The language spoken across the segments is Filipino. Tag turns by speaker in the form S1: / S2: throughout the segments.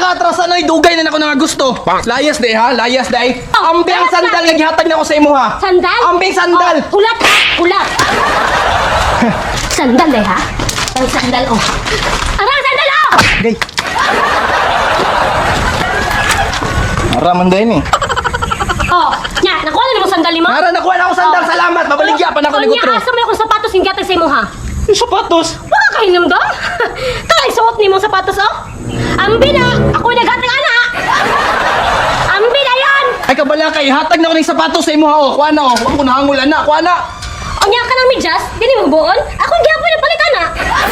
S1: atrasan ay dugay na nako nga gusto. Layas day ha, layas day. Ambi ang sandal nga gihatag nako sa imo ha.
S2: Sandal?
S1: Ambing sandal.
S2: Hulat ha, hulat. Sandal eh ha? Ang sandal oh. Arang sandal oh!
S1: Gay. Araman day ni.
S2: Oh, nya, nakuha na mo sandal ni mo?
S1: Nara nakuha na ako sandal, salamat. Mabaligya pa na ako ni Gutro.
S2: Nya, asa mo akong sapatos yung gatag sa imo ha?
S1: Yung sapatos.
S2: Wala ka hinamdam? Kaya suot ni mong sapatos oh? Ambi na! Ako naghatag ana! Ambi na yan!
S1: Ay kabala kay hatag na ko ng sapatos sa imo ha. Oh, kuha na oh. Huwag ko nahangul ana, kuha na.
S2: O nya ka ng medyas? Dili mo buon? Ako gyapon na palit ana!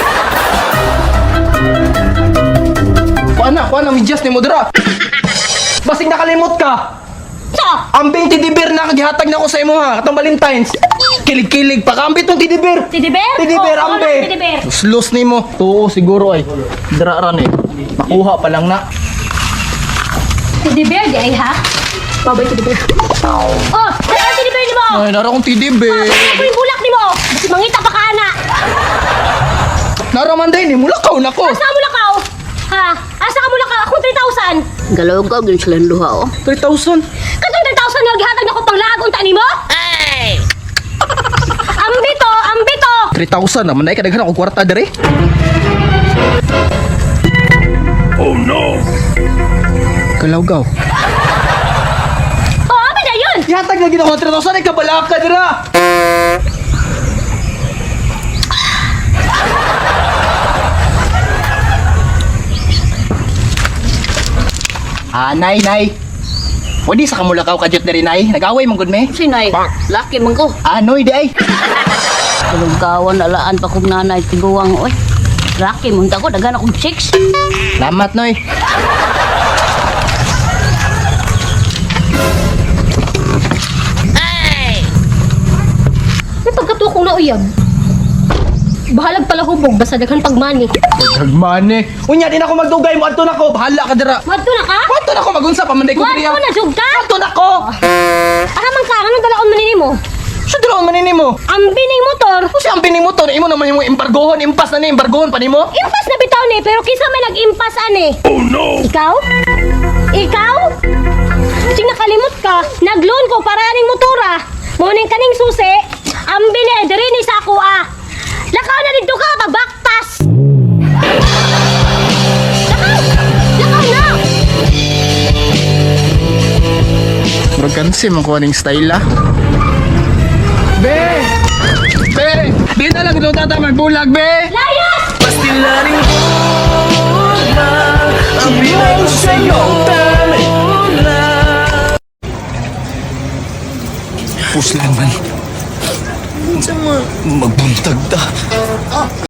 S1: Kuha na medyas ni mo dira. Basig nakalimot ka.
S2: So,
S1: Ambing tidibir na kagihatag na ko sa imo ha. Katong Valentine's. Kilig-kilig pa kaambit tong tidibir.
S2: Tidiber?
S1: Tidibir
S2: Oh,
S1: ambe.
S2: ano, Tidiber?
S1: Slus nimo. Tuo siguro ay. Dira ran eh. Makuha pa lang na.
S2: Tidiber di ay ha? Babay tidiber. Oh, saan tidiber ni mo?
S1: Ay, nara kong tidibir.
S2: Ako yung bulak ni mo! Basi mangita pa ka ana!
S1: Nara man day ni mulakaw na ko.
S2: Asa mo lakaw? Ha? Asa ka mo lakaw? Akong 3,000!
S3: Galawgaw din silang duha oh.
S1: 3,000.
S2: Katong 3,000 nga gihatag na ko pang laag unta nimo?
S3: Ay!
S2: Ambito! Ambito!
S1: 3,000 naman ay kadaghan ako kwarta dire. Oh no. Kalawgaw.
S2: Oh, abi na yun!
S1: Ihatag na ginawa 3,000 ay kabala ka dira. Nay. Wadi sa kamulakaw kadyot na rin, nay. Nag-away mong good, me.
S3: Sinay, laki man ko.
S1: Anoy, di ay.
S3: Galawgawan alaan pa kong nanay tiguwang oy. Laki mo ko, dagan akong chicks.
S1: Lamat, noy.
S2: May pagkatuwa kong nauyab. Bahalag pala hubog, basta daghan pagmani.
S1: Nagmane. Unya, di na ako magdugay mo. Adto na ko. Bahala ka dira.
S2: Madto na ka?
S1: Adto na ko magunsa. Pamanday ko diriya.
S2: Madto na, jug ka?
S1: Adto na ko.
S2: Aramang ka, anong dalaon manini mo?
S1: So, dalaon manini mo.
S2: Ambi na yung motor.
S1: Kung siya ang pinimotor, imo naman yung embargohon. Impas na ni, embargohon pa ni mo.
S2: Impas na bitaw ni, pero kisa may nag-impas ani. Oh no! Ikaw? Ikaw? Sing nakalimot ka, nag-loan ko para aning motora. Muning kaning susi, ambi ni, diri ni sa ako ah. Lakaw na dito ka, pabaktas! Lakaw! Lakaw na!
S1: Murag kansi man ko aning style ah. Be! Be! Di na lang ito tata magbulag, be!
S2: Layas!
S4: Pastilaring bola ang binay ko sa'yo bola.
S1: Puslan man. Magbuntag ta.